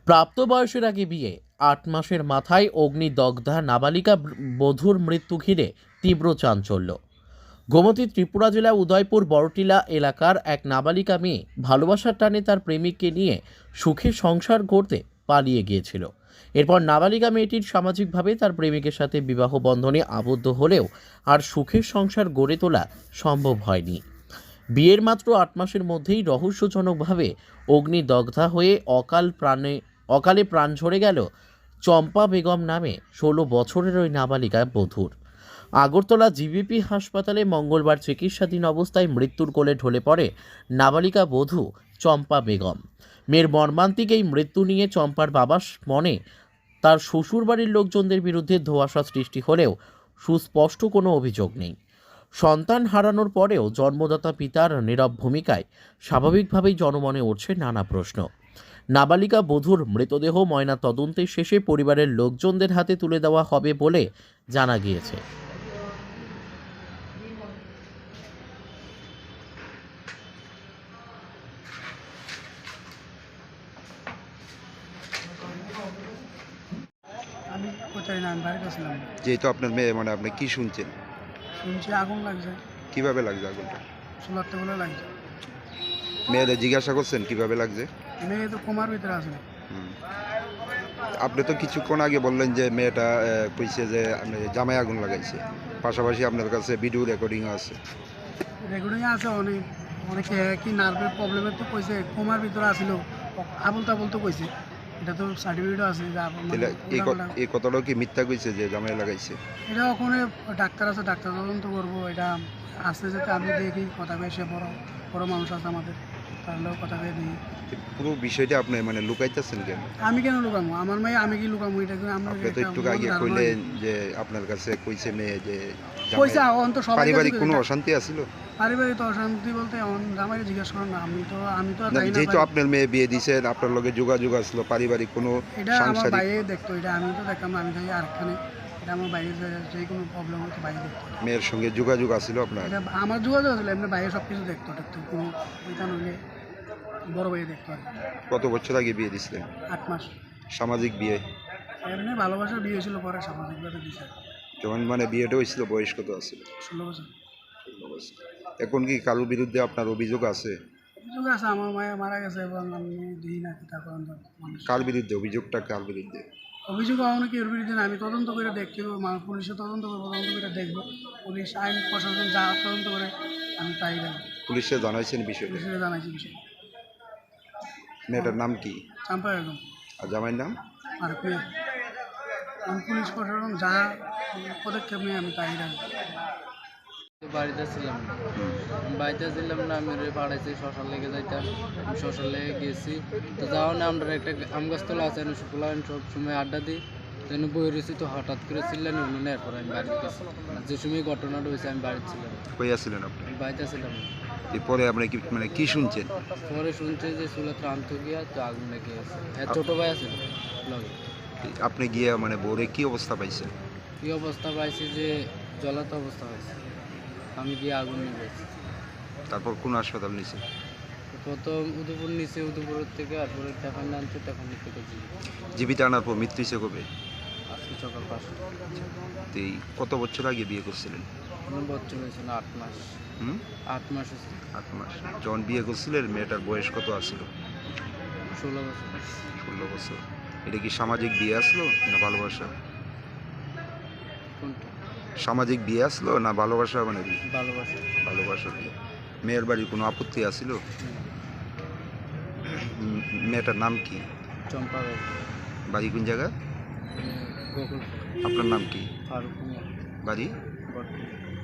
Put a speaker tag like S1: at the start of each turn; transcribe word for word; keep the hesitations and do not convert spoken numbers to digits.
S1: প্রাপ্তবয়সের আগে বিয়ে, আট মাসের মাথায় অগ্নিদগ্ধা নাবালিকা বধূর মৃত্যু ঘিরে তীব্র চাঞ্চল্য। গোমতী ত্রিপুরা জেলা উদয়পুর বড়টিলা এলাকার এক নাবালিকা মেয়ে ভালোবাসার টানে তার প্রেমিককে নিয়ে সুখে সংসার করতে পালিয়ে গিয়েছিল। এরপর নাবালিকা মেয়েটির সামাজিকভাবে তার প্রেমিকের সাথে বিবাহ বন্ধনে আবদ্ধ হলেও আর সুখের সংসার গড়ে তোলা সম্ভব হয়নি। বিয়ের মাত্র আট মাসের মধ্যেই রহস্যজনকভাবে অগ্নিদগ্ধা হয়ে অকাল প্রাণে অকালে প্রাণ ঝরে গেল চম্পা বেগম নামে ষোলো বছরের ওই নাবালিকা বধূর। আগরতলা জিবিপি হাসপাতালে মঙ্গলবার চিকিৎসাধীন অবস্থায় মৃত্যুর কোলে ঢলে পড়ে নাবালিকা বধূ চম্পা বেগম। মেয়ের মর্মান্তিক এই মৃত্যু নিয়ে চম্পার বাবার মনে তার শ্বশুরবাড়ির লোকজনদের বিরুদ্ধে ধোঁয়াশা সৃষ্টি হলেও সুস্পষ্ট কোনো অভিযোগ নেই। সন্তান হারানোর পরেও জন্মদাতা পিতার নীরব ভূমিকায় স্বাভাবিকভাবেই জনমনে উঠছে নানা প্রশ্ন। নাবালিকা বধূর মৃতদেহ ময়না তদন্তের শেষে পরিবারের লোকজনদের হাতে তুলে দেওয়া হবে বলে জানা গিয়েছে।
S2: আমি কোথায় না, আমি বাড়িতে ছিলাম।
S3: যেহেতু আপনার মেয়ে, মানে আপনি কি শুনছেন?
S2: শুনছি আগুন লাগছে,
S3: কিভাবে লাগছে আগুনটা?
S2: চুলাতে বলে লাগছে।
S3: মেয়েদের জিজ্ঞাসা করছেন কিভাবে লাগছে?
S2: মেয়ে তো কোমার ভিতরে আছে।
S3: হুম। আপনি তো কিছুক্ষণ আগে বললেন যে মেয়েটা আহ, কইছে যে আমি জামাই আগুন লাগাইছে, পাশাপাশি আপনার কাছে ভিডিও রেকর্ডিংও আছে।
S2: রেগুলিং আছে, অনেক অনেকে কি নার্ভের প্রবলেমের তো কইছে কোমার ভিতরে আসিল, আবল তাবল তো কইছে। এটা তো সার্টিফিকেটও আছে যে আবল মানে
S3: তাহলে এই ক-
S2: উল্টাপাল্টা।
S3: এই কথাটাও কি মিথ্যা কইছে যে জামাই লাগাইছে?
S2: এটা ওখানে ডাক্তার আছে, ডাক্তার তদন্ত করবো। এটা আস্তে যেতে আমি দেখি কথা বেশি বড় বড় মানুষ আছে আমাদের, তাহলেও কথা বেয়ে দিই।
S3: পুরো বিষয়টা আপনি মানে লুকাইতেছেন কেন?
S2: আমি কেন লুকামো? আমার মেয়ে, আমি কি লুকামো? এটা কি আমরা
S3: আপনি তো একটু আগে কইলেন যে আপনার কাছে কইছে মেয়ে যে জামাই-
S2: পয়সা অন্ত সবাই
S3: পারিবারিক কোনো অশান্তি আছিল?
S2: পারিবারিক তো অশান্তি বলতে জামাই জিজ্ঞাসা করেন না, আমি তো আমি তো
S3: না,
S2: জানি না
S3: যেহেতু
S2: ভাই।
S3: আপনার মেয়ে বিয়ে দিয়েছেন, আপনার লগে যোগাযোগ আসলো, পারিবারিক কোনো
S2: এটা আমার
S3: সাংসারিক
S2: বাইরে দেখতো, এটা আমি তো দেখতাম না, আমি থাকি আরেকখানে। এটা আমার বাইরে যে কোনো প্রবলেম হতো বাইরে দেখতো।
S3: মেয়ের সঙ্গে যোগাযোগ আসছিল আপনার?
S2: এটা আমার যোগাযোগ ছিল, এমনি বাইরে সব কিছু দেখতো দেখতো কোনো ওইটা নইলে বড় বাইরে দেখতো আর কি।
S3: কত বছর আগে বিয়ে দিছিলেন?
S2: আট মাস।
S3: সামাজিক বিয়ে?
S2: এমনি ভালোবাসা বিয়ে ছিল, পরে সামাজিকভাবে দিয়েছে।
S3: যখন মানে বিয়েটা হয়েছিল বয়স কত আছিল?
S2: ষোলো বছর।
S3: এখন কি কারোর বিরুদ্ধে আপনার অভিযোগ আছে?
S2: অভিযোগ আছে, আমার মায়ের মারা গেছে এবং আমি দিই না কিতা করেন মানুষ।
S3: কার বিরুদ্ধে অভিযোগটা, কার বিরুদ্ধে?
S2: অভিযোগ অনেকে এর বিরুদ্ধে না, আমি তদন্ত করে দেখি, পুলিশে তদন্ত করবো, তদন্ত করে দেখবো। পুলিশ আইন প্রশাসন যা তদন্ত করে আমি তাই দেখবো।
S3: পুলিশে জানাইছেন বিষয়টা?
S2: পুলিশে জানাইছি বিষয়।
S3: মেয়েটার নাম কি
S2: চাম্পা বেগম
S3: আর জামাইয়ের নাম?
S2: আর মেয়ে। আমি পুলিশ প্রশাসন যা পদক্ষেপ নিয়ে আমি তাই দেখবো।
S4: বাড়িতে ছিলাম না, বাড়িতে ছিলাম না, আমি ওরে পাড়াইছি শ্মশান লেগে যাইতাম। আমি শ্মশান লেগে গেছি, তো যাও না, আমরা একটা আম গাছতলা আছে, আমি শুকলা সব সময় আড্ডা দিই। তেন বই রয়েছি, তো হঠাৎ করে চিল্লানি হলো না, এরপর আমি বাড়িতে গেছি। যে সময় ঘটনাটা হয়েছে আমি বাড়িতে ছিলাম,
S3: কই আছিলেন আপনি?
S4: আমি বাড়িতে ছিলাম না।
S3: এরপরে আপনি কি মানে কি শুনছেন?
S4: পরে শুনছে যে চুলা ত্রান্ত গিয়া তো আগুন লেগে গেছে। হ্যাঁ, ছোটো ভাই আছে লগে।
S3: আপনি গিয়ে মানে বোরে কি অবস্থা পাইছেন?
S4: কী অবস্থা পাইছি যে জ্বলাতে অবস্থা হয়েছে, আমি গিয়ে আগুন নিয়ে গেছি।
S3: তারপর কোন হাসপাতাল নিছে?
S4: প্রথম উদয়পুর নিচে, উদয়পুরের থেকে আর পরে টাকা আনছে, টাকা থেকে জীবিত।
S3: জীবিত আনার পর মৃত্যু হিসেবে কবে?
S4: আজকে সকাল পাঁচটা।
S3: তো এই কত বছর আগে বিয়ে করছিলেন?
S4: কোনো বছর হয়েছে না, আট মাস।
S3: হুম,
S4: আট মাস হয়েছে।
S3: আট মাস। যখন বিয়ে করছিলেন মেয়েটার বয়স কত আসছিল?
S4: ষোলো বছর।
S3: ষোলো বছর। এটা কি সামাজিক বিয়ে আসলো না ভালোবাসা?
S4: কোনটা?
S3: সামাজিক বিয়ে আসলো না ভালোবাসা, মানে কি?
S4: ভালোবাসা।
S3: ভালোবাসা বিয়ে। মেয়ের বাড়ির কোনো আপত্তি আসছিল? উম, মেয়েটার নাম কি?
S4: চম্পা বেগম।
S3: বাড়ি কোন জায়গা?
S4: গোকুল।
S3: আপনার নাম কি?
S4: ফারুক মিয়া।
S3: বাড়ি?
S4: বটকুল।